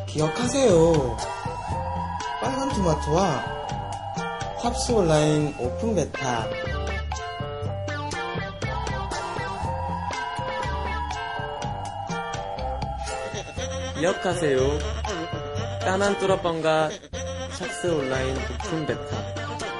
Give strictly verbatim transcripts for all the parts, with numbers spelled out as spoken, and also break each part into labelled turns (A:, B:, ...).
A: 기억하세요. 빨간 토마토와 탑스 온라인 오픈 베타.
B: 기억하세요. 까만 뚜러뻥과 샵스 온라인 오픈 베타.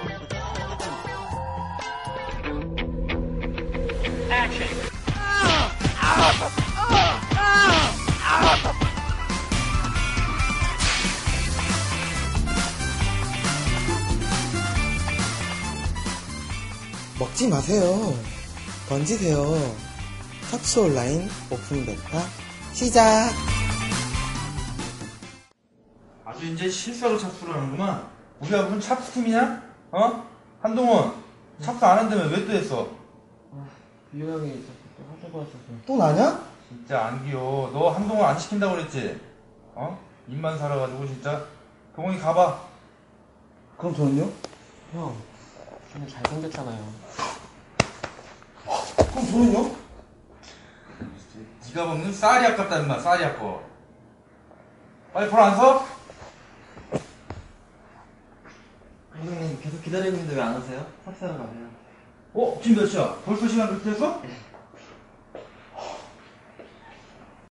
A: 먹지 마세요. 던지세요. 탑스 온라인 오픈 베타 시작.
C: 아주 이제 실수하고 착수를 하는구만. 우리 아버는 찹스팀이냐? 어? 한동원 찹스 안 한다며 왜 또 했어?
B: 비호 형이 또 하자고 하셔서.
A: 또 나냐?
C: 진짜 안 귀여워. 너 한동원 안 시킨다고 그랬지? 어? 입만 살아가지고 진짜. 동원이 가봐.
A: 그럼 저는요?
B: 형, 형이 잘생겼잖아요.
A: 그럼 저는요?
C: 네가 먹는 쌀이 아깝다 임마. 쌀이 아까워. 빨리 벌 안 서?
B: 형님 계속 기다리고 있는데 왜 안 오세요? 탑사로 가세요.
C: 어? 지금 몇 시야? 벌써 시간 그렇게 됐어?